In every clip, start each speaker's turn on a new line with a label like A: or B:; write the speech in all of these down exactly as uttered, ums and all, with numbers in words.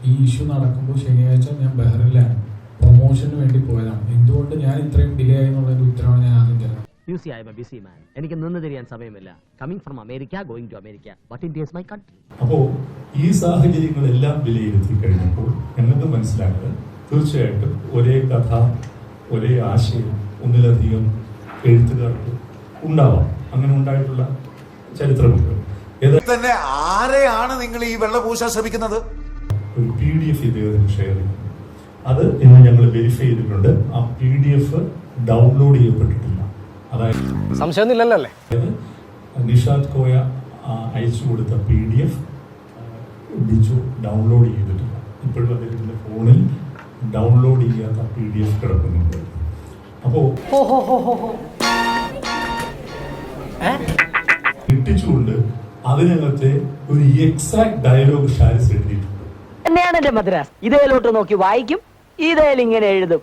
A: ഈ ഇഷ്യൂ നടക്കുമ്പോൾ ശനിയാഴ്ച ഞാൻ ബഹ്റിനിലാണ്, പ്രൊമോഷന് വേണ്ടി പോയതാണ്. എന്തുകൊണ്ട് ഞാൻ ഇത്രയും ഡിലേ ആയി എന്നുള്ളതിന്റെ ഉത്തരവാണ് ഞാൻ ആദ്യം തരുന്നത്.
B: എനിക്ക് നിന്ന് തിരിയാൻ സമയമില്ല. Coming from America, going to America, but India is my country.
C: അപ്പോ ഈ സാഹചര്യങ്ങളെല്ലാം വിലയിരുത്തി കഴിഞ്ഞപ്പോൾ ഞങ്ങൾക്ക് മനസ്സിലാക്കുന്നത് തീർച്ചയായിട്ടും ഒരേ കഥ, ഒരേ ആശയം ഒന്നിലധികം എഴുത്തുകാർക്ക് ഉണ്ടാവാം. അങ്ങനെ ഉണ്ടായിട്ടുള്ള ചരിത്രമുണ്ട്.
D: തന്നെ ആരെയാണ് നിങ്ങൾ ഈ വെള്ളപൂശാൻ ശ്രമിക്കുന്നത്?
C: ഒരു പി ഡി എഫ് ഇദ്ദേഹത്തിന് ഷെയർ ചെയ്തു. അത് ഇന്ന് ഞങ്ങൾ വെരിഫൈ ചെയ്തിട്ടുണ്ട്. ആ പി ഡി എഫ് ഡൗൺലോഡ് ചെയ്യപ്പെട്ടിട്ടില്ല. അതായത്
E: സംശയമൊന്നുമില്ലല്ലേ?
C: നിഷാദ് കോയ അയച്ചു കൊടുത്ത P D F Biju download ചെയ്തിട്ടില്ല. ഇപ്പോഴും അദ്ദേഹത്തിന്റെ ഫോണിൽ ഡൗൺലോഡ് ചെയ്യാത്ത പി ഡി എഫ് കിടക്കുന്നുണ്ട്. അപ്പോ കിട്ടിച്ചുകൊണ്ട് അതിനകത്തെ ഒരു എക്സാക്ട് ഡയലോഗ് ഷാരിസ് എഴുതിയിട്ടുണ്ട്.
B: തന്നെയാണ് എന്റെ മദ്രാസ്. ഇതേലോട്ട് നോക്കി വായിക്കും, ഇതേൽ ഇങ്ങനെ എഴുതും.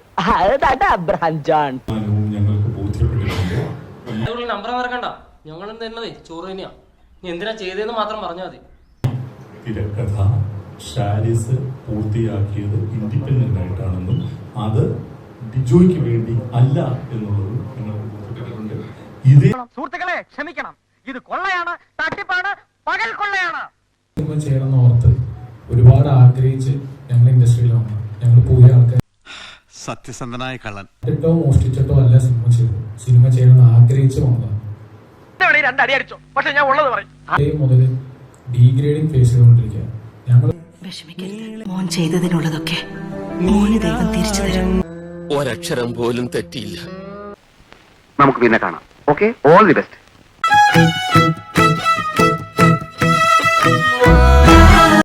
C: ഞങ്ങൾക്ക് ബോധ്യപ്പെട്ടിട്ടുണ്ട്.
F: നമ്പർ മറക്കണ്ട, ഞങ്ങൾ തരുന്നതേ ചോറ് തന്നെയാ. നീ എന്തിനാ ചെയ്തതെന്ന് മാത്രം പറഞ്ഞാൽ മതി.
C: തിരക്കഥ ഷാരിസ് പൂർത്തിയാക്കിയത് ഇൻഡിപെൻഡന്റ് ആയിട്ടാണെന്നും അത് ബിജോയ്ക്ക് വേണ്ടി അല്ല എന്നുള്ളത് ഞങ്ങൾക്ക് ബോധ്യപ്പെട്ടിട്ടുണ്ട്. ഇതേ
E: സുഹൃത്തുക്കളെ ക്ഷമിക്കണം, ഇത് കൊള്ളയാണ്, തട്ടിപ്പാണ്, പകൽ കൊള്ളയാണ്.
A: സിനിമ ചെയ്യണമെന്ന് ഓർത്ത് ഒരുപാട് ആഗ്രഹിച്ച് ഞങ്ങൾ ഇൻഡസ്ട്രിയിൽ വന്നു. ഞങ്ങൾ പോയ ആൾക്കാർ
D: സത്യസന്ധനായ കള്ളൻ
A: ോ മോഷ്ടിച്ചിട്ടോ അല്ല സിനിമ ചെയ്തത്. സിനിമ ചെയ്യണമെന്ന് ആഗ്രഹിച്ച് വന്നതാണ്.
E: രണ്ടടി അടിച്ചോ, പക്ഷെ ഞാൻ ഉള്ളത് പറയും.
A: അതേ മുതൽ ഡീഗ്രേഡിംഗ് ഫേസ് ചെയ്തുകൊണ്ടിരിക്കുക. ഞങ്ങൾ
G: വിഷമിക്കരുത്, മോൻ ചെയ്തതിനുള്ളതൊക്കെ മോന് ദൈവം തിരിച്ചു തരും.
H: ഒരക്ഷരം പോലും തെറ്റിയില്ല.
E: നമുക്ക് പിന്നെ കാണാം. Okay, all the best.